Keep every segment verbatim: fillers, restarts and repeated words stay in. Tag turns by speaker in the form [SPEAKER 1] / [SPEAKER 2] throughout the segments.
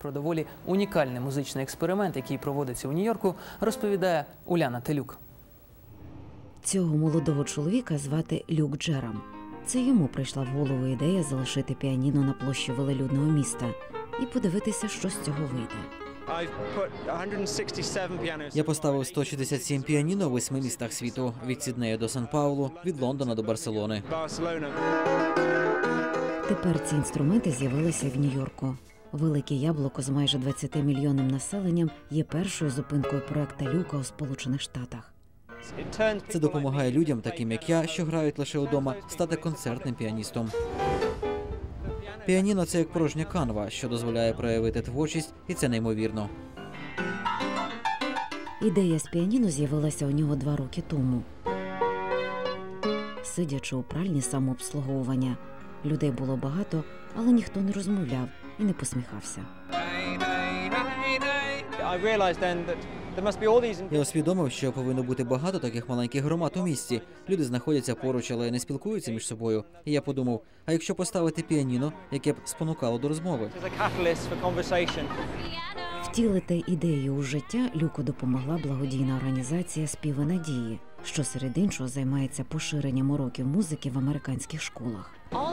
[SPEAKER 1] про доволі унікальний музичний експеримент, який проводиться у Нью-Йорку, розповідає Уляна Телюк.
[SPEAKER 2] Цього молодого чоловіка звати Люк Джерам. Це йому прийшла в голову ідея залишити піаніно на площі велелюдного міста і подивитися, що з цього вийде.
[SPEAKER 3] Я поставив сто шістдесят сім піаніно у восьми містах світу – від Сіднея до Сан-Паулу, від Лондона до Барселони.
[SPEAKER 2] Тепер ці інструменти з'явилися в Нью-Йорку. Велике Яблуко з майже двадцятимільйонним населенням є першою зупинкою проекту Люка у Сполучених Штатах.
[SPEAKER 3] Це допомагає людям, таким як я, що грають лише вдома, стати концертним піаністом. Піаніно – це як порожня канва, що дозволяє проявити творчість, і це неймовірно.
[SPEAKER 2] Ідея з піаніно з'явилася у нього два роки тому. Сидячи у пральні самообслуговування, людей було багато, але ніхто не розмовляв і не посміхався.
[SPEAKER 3] Я усвідомив, що повинно бути багато таких маленьких громад у місті. Люди знаходяться поруч, але не спілкуються між собою. І я подумав, а якщо поставити піаніно, яке б спонукало до розмови?
[SPEAKER 2] Втілити ідею у життя Люку допомогла благодійна організація «Співи надії», що серед іншого займається поширенням уроків музики в американських школах.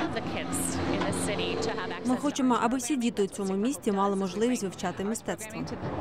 [SPEAKER 4] Ми хочемо, аби всі діти у цьому місті мали можливість вивчати мистецтво.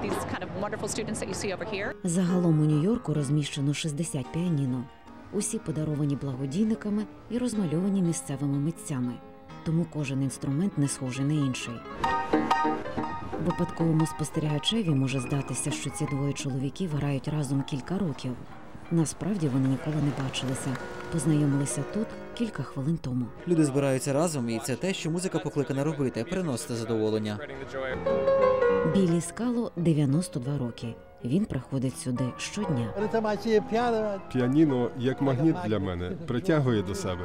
[SPEAKER 2] Загалом у Нью-Йорку розміщено шістдесят піаніно. Усі подаровані благодійниками і розмальовані місцевими митцями. Тому кожен інструмент не схожий на інший. Випадковому спостерігачеві може здатися, що ці двоє чоловіків грають разом кілька років. Насправді вони ніколи не бачилися. Познайомилися тут кілька хвилин тому.
[SPEAKER 3] Люди збираються разом, і це те, що музика покликана робити – приносити задоволення.
[SPEAKER 2] Біллі Скало – дев'яносто два роки. Він приходить сюди щодня.
[SPEAKER 5] Піаніно, як магніт для мене, притягує до себе.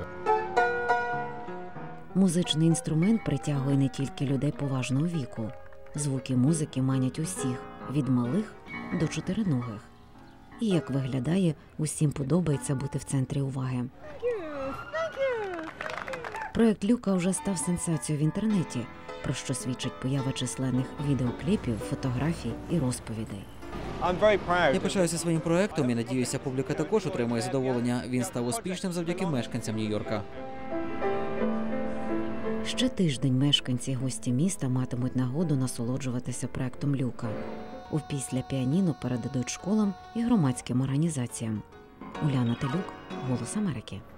[SPEAKER 2] Музичний інструмент притягує не тільки людей поважного віку. Звуки музики манять усіх – від малих до чотириногих. І, як виглядає, усім подобається бути в центрі уваги. Проект Люка вже став сенсацією в інтернеті, про що свідчить поява численних відеокліпів, фотографій і розповідей.
[SPEAKER 3] Я пишаюся своїм проектом і надіюся, публіка також отримує задоволення. Він став успішним завдяки мешканцям Нью-Йорка.
[SPEAKER 2] Ще тиждень мешканці і гості міста матимуть нагоду насолоджуватися проектом Люка. Опісля піаніно передадуть школам і громадським організаціям. Уляна Телюк, «Голос Америки».